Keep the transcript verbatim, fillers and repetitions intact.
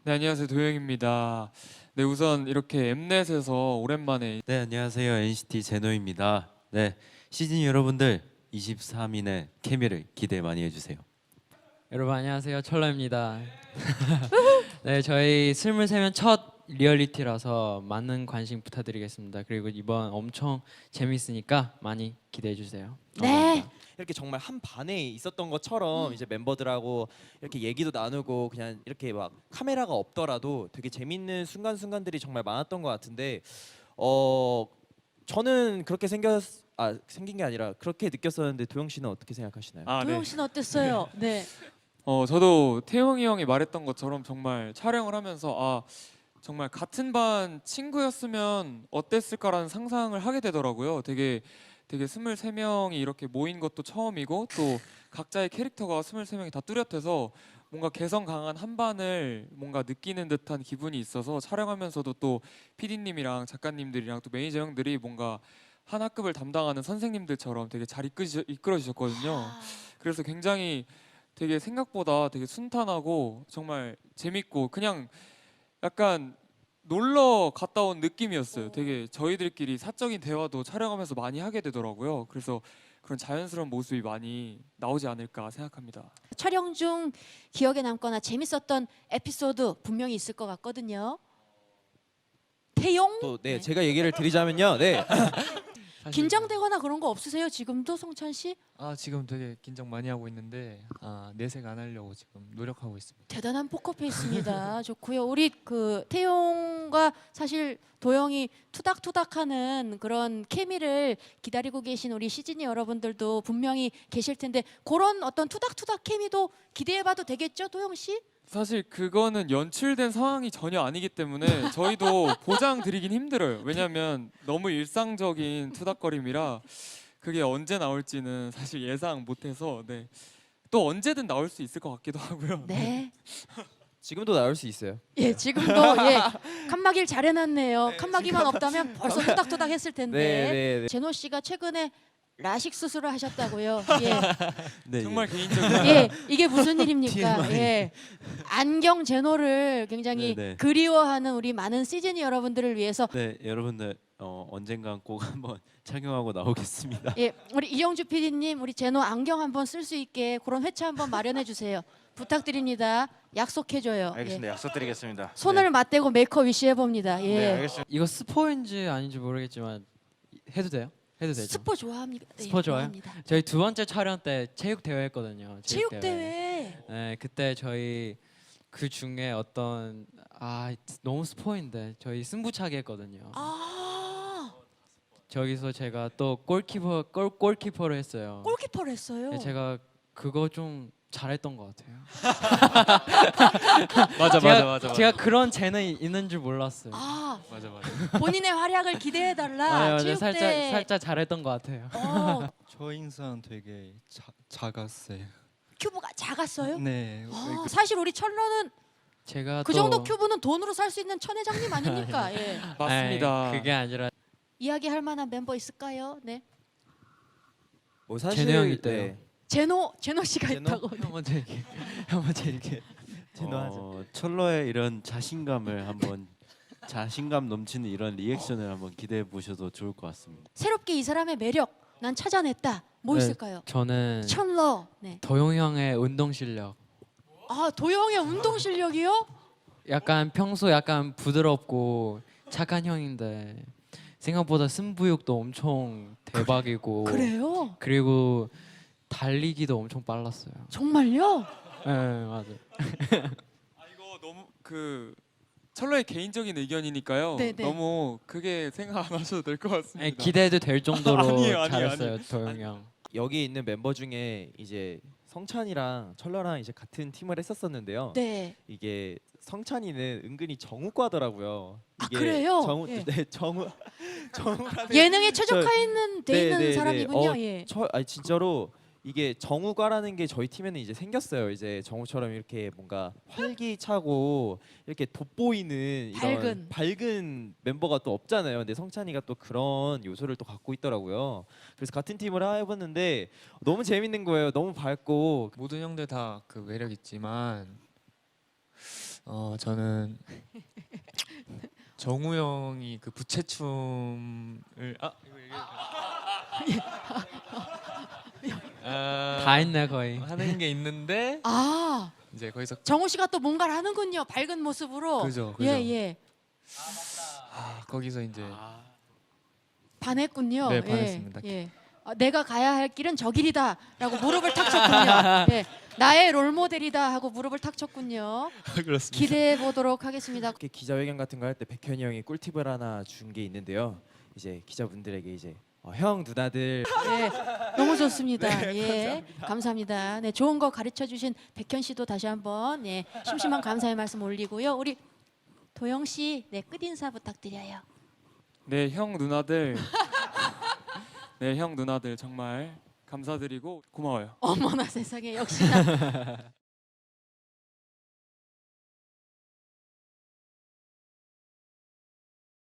네, 안녕하세요. 도영입니다. 네, 우선 이렇게 엠넷에서 오랜만에 네, 안녕하세요. 엔시티 제노입니다. 네, 시즌 여러분들 이십삼 인의 케미를 기대 많이 해주세요. 여러분 안녕하세요. 철러입니다. 네, 저희 스물세면 첫 리얼리티라서 많은 관심 부탁드리겠습니다. 그리고 이번 엄청 재밌으니까 많이 기대해 주세요. 네. 이렇게 정말 한 반에 있었던 것처럼 음. 이제 멤버들하고 이렇게 얘기도 나누고 그냥 이렇게 막 카메라가 없더라도 되게 재밌는 순간순간들이 정말 많았던 것 같은데 어 저는 그렇게 생겼 아 생긴 게 아니라 그렇게 느꼈었는데 도영 씨는 어떻게 생각하시나요? 아, 네. 도영 씨는 어땠어요? 네. 어, 저도 태용이 형이 말했던 것처럼 정말 촬영을 하면서 아, 정말 같은 반 친구였으면 어땠을까라는 상상을 하게 되더라고요. 되게 되게 스물세 명이 이렇게 모인 것도 처음이고 또 각자의 캐릭터가 스물세 명이 다 뚜렷해서 뭔가 개성 강한 한 반을 뭔가 느끼는 듯한 기분이 있어서 촬영하면서도 또 피디님이랑 작가님들이랑 또 매니저 형들이 뭔가 한 학급을 담당하는 선생님들처럼 되게 잘 이끌어, 이끌어 주셨거든요. 아, 그래서 굉장히 되게 생각보다 되게 순탄하고 정말 재밌고 그냥 약간 놀러 갔다 온 느낌이었어요. 되게 저희들끼리 사적인 대화도 촬영하면서 많이 하게 되더라고요. 그래서 그런 자연스러운 모습이 많이 나오지 않을까 생각합니다. 촬영 중 기억에 남거나 재밌었던 에피소드 분명히 있을 것 같거든요. 태용? 또 네 제가 얘기를 드리자면요. 네. 긴장되거나 그런 거 없으세요? 지금도 성찬 씨? 아 지금 되게 긴장 많이 하고 있는데 아 내색 안 하려고 지금 노력하고 있습니다. 대단한 포커페이스입니다. 좋고요. 우리 그 태용과 사실 도영이 투닥투닥하는 그런 케미를 기다리고 계신 우리 시즈니 여러분들도 분명히 계실 텐데 그런 어떤 투닥투닥 케미도 기대해봐도 되겠죠, 도영 씨? 사실 그거는 연출된 상황이 전혀 아니기 때문에 저희도 보장 드리긴 힘들어요. 왜냐하면 너무 일상적인 투닥거림이라 그게 언제 나올지는 사실 예상 못해서 네. 또 언제든 나올 수 있을 것 같기도 하고요. 네. 지금도 나올 수 있어요. 예, 지금도 예 칸막이를 잘 해놨네요. 칸막이만 없다면 벌써 투닥투닥 했을 텐데. 네, 네, 네. 제노 씨가 최근에 라식 수술을 하셨다고요. 예, 네, 정말 예. 개인적인 예, 이게 무슨 일입니까? 티엠아이. 예, 안경 제노를 굉장히 네, 네. 그리워하는 우리 많은 시즈니 여러분들을 위해서 네, 여러분들 어, 언젠간 꼭 한번 착용하고 나오겠습니다. 예, 우리 이영주 피디님, 우리 제노 안경 한번 쓸 수 있게 그런 회차 한번 마련해 주세요. 부탁드립니다. 약속해줘요. 알겠습니다. 예. 약속드리겠습니다. 손을 맞대고 메이크업 위시 해봅니다. 예. 네, 알겠습니다. 이거 스포인지 아닌지 모르겠지만 해도 돼요? 해도 되죠? 스포 좋아합니다. 예, 스포 좋아요? 좋아합니다. 저희 두 번째 촬영 때 체육 대회 했거든요. 체육 대회. 네, 그때 저희 그 중에 어떤 아 너무 스포인데 저희 승부차기 했거든요. 아, 저기서 제가 또 골키퍼 골 골키퍼를 했어요. 골키퍼를 했어요. 네, 제가 그거 좀 잘했던 것 같아요. 맞아 제가, 맞아 맞아. 제가 그런 재능이 있는 줄 몰랐어요. 아, 맞아 맞아. 본인의 활약을 기대해 달라. 아, 맞아, 체육 살짝 대회. 살짝 잘했던 것 같아요. 어, 저 인상 되게 자, 작았어요. 큐브가 작았어요? 네. 아, 사실 우리 철러는 제가 그 또 정도 큐브는 돈으로 살 수 있는 천 회장님 아닙니까? 예. 맞습니다. 아이, 그게 아니라 이야기할 만한 멤버 있을까요? 네. 뭐 사실 제노 형이 있대요. 네. 제노 제노 씨가 제노? 있다고. 형 먼저 얘기해. 형 먼저 얘기해. 어, 철러의 이런 자신감을 한번 자신감 넘치는 이런 리액션을 한번 기대해 보셔도 좋을 것 같습니다. 새롭게 이 사람의 매력 난 찾아냈다. 뭐 네. 있을까요? 저는 철러. 네. 도용 형의 운동 실력. 아, 도영의 운동 실력이요? 약간 평소 약간 부드럽고 착한 형인데 생각보다 승부욕도 엄청 대박이고 그래요? 그리고 달리기도 엄청 빨랐어요. 정말요? 네 맞아요. 아, 이거 너무 그 철러의 개인적인 의견이니까요. 네네. 너무 크게 생각 안 하셔도 될 것 같습니다. 아니, 기대해도 될 정도로 아니에요, 아니에요, 잘했어요 도용 형. 여기 있는 멤버 중에 이제 성찬이랑 철러랑 이제 같은 팀을 했었었는데요. 네. 이게 성찬이는 은근히 정우과더라고요. 아, 이게 그래요? 정우 예. 네 정우 정우라는 예능에 최적화 있는 돼 네, 있는 네, 네. 사람이군요. 어, 예. 저 아니 진짜로 이게 정우과라는 게 저희 팀에는 이제 생겼어요. 이제 정우처럼 이렇게 뭔가 활기차고 이렇게 돋보이는 이런 밝은. 밝은 멤버가 또 없잖아요. 근데 성찬이가 또 그런 요소를 또 갖고 있더라고요. 그래서 같은 팀을 해봤는데 너무 재밌는 거예요. 너무 밝고 모든 형들 다 그 매력 있지만 어 저는 정우 형이 그 부채춤을 아 이거 얘기해도 되나? 아, 다 했네 거의. 하는 게 있는데 아 이제 거기서 정우 씨가 또 뭔가를 하는군요. 밝은 모습으로. 그죠, 그죠. 예 예. 아, 거기서 이제 반했군요. 네, 예, 반했습니다. 예. 어, 내가 가야 할 길은 저 길이다라고 무릎을 탁 쳤군요. 예. 나의 롤 모델이다 하고 무릎을 탁 쳤군요. 그렇습니다. 기대해 보도록 하겠습니다. 이렇게 기자회견 같은 거 할 때 백현이 형이 꿀팁을 하나 준 게 있는데요. 이제 기자분들에게 이제 어, 형 누나들 예, 너무 좋습니다. 예, 감사합니다. 네, 좋은 거 가르쳐 주신 백현 씨도 다시 한번 예, 심심한 감사의 말씀 올리고요. 우리 도영 씨, 네, 끝 인사 부탁드려요. 네, 형 누나들. 네, 형 누나들 정말 감사드리고 고마워요. 어머나 세상에 역시나